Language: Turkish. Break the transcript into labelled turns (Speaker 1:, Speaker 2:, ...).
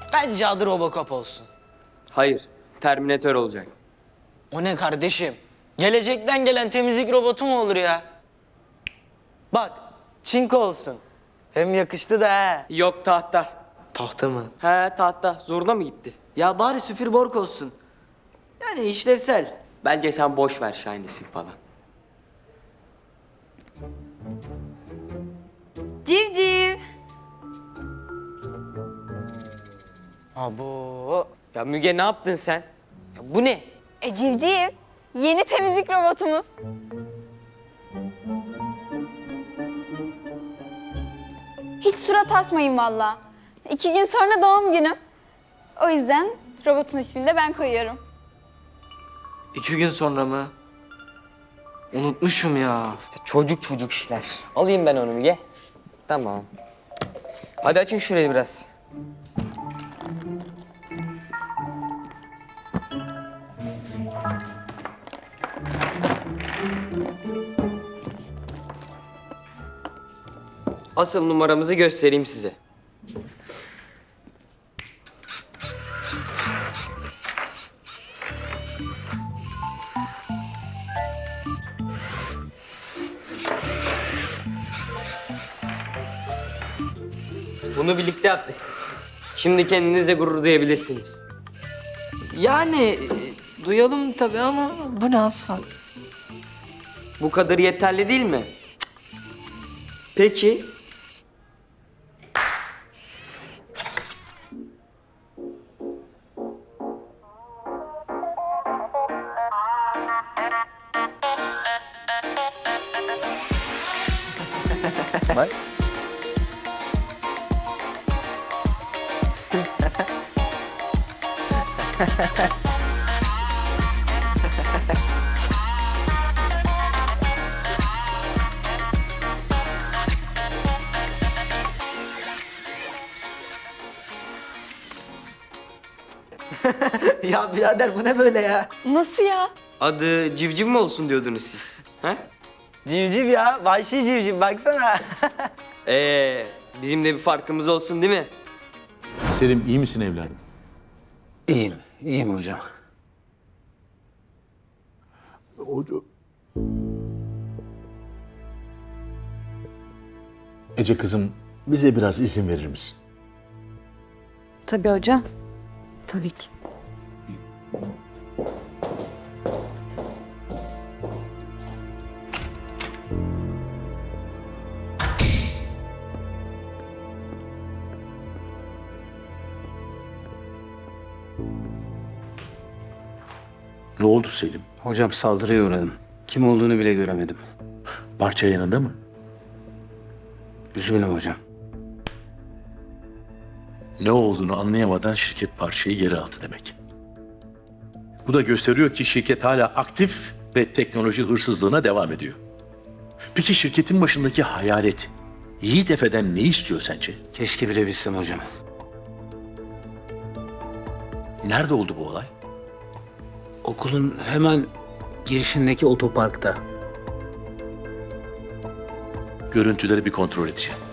Speaker 1: Bence adı Robocop olsun.
Speaker 2: Hayır, Terminator olacak.
Speaker 1: O ne kardeşim? Gelecekten gelen temizlik robotu mu olur ya? Bak, çinko olsun. Hem yakıştı da ha.
Speaker 2: Yok tahta.
Speaker 1: Tahta mı?
Speaker 2: He tahta. Zoruna mı gitti?
Speaker 3: Ya bari süpürborg olsun. Yani işlevsel.
Speaker 2: Bence sen boş ver Shiny'sin falan.
Speaker 4: Civciv.
Speaker 1: Abo.
Speaker 2: Ya Müge ne yaptın sen? Ya bu ne?
Speaker 4: Civciv. Yeni temizlik robotumuz. Hiç surat asmayın valla. 2 gün sonra doğum günüm. O yüzden robotun ismini de ben koyuyorum.
Speaker 3: 2 gün sonra mı? Unutmuşum ya.
Speaker 2: Çocuk işler. Alayım ben onu Müge. Tamam. Hadi açın şurayı biraz. Asıl numaramızı göstereyim size. Bunu birlikte yaptık. Şimdi kendinize gurur duyabilirsiniz.
Speaker 3: Yani duyalım tabii ama bu ne aslan?
Speaker 2: Bu kadar yeterli değil mi? Peki.
Speaker 3: Bak. Ya birader bu ne böyle ya?
Speaker 4: Nasıl ya?
Speaker 2: Adı civciv mi olsun diyordunuz siz? He?
Speaker 1: Civciv ya, vahşi civciv baksana.
Speaker 2: Bizim de bir farkımız olsun değil mi?
Speaker 5: Selim iyi misin evladım?
Speaker 6: İyiyim hocam.
Speaker 5: Ece kızım bize biraz izin verir misin?
Speaker 7: Tabii hocam. Tabii ki.
Speaker 5: Ne oldu Selim?
Speaker 6: Hocam saldırıya uğradım. Kim olduğunu bile göremedim.
Speaker 5: Parça yanında mı?
Speaker 6: Üzgünüm hocam.
Speaker 5: Ne olduğunu anlayamadan şirket parçayı geri aldı demek. Bu da gösteriyor ki şirket hala aktif ve teknoloji hırsızlığına devam ediyor. Peki şirketin başındaki hayalet Yiğit Efe'den ne istiyor sence?
Speaker 6: Keşke bilebilsem hocam.
Speaker 5: Nerede oldu bu olay?
Speaker 6: Okulun hemen girişindeki otoparkta.
Speaker 5: Görüntüleri bir kontrol edeceğim.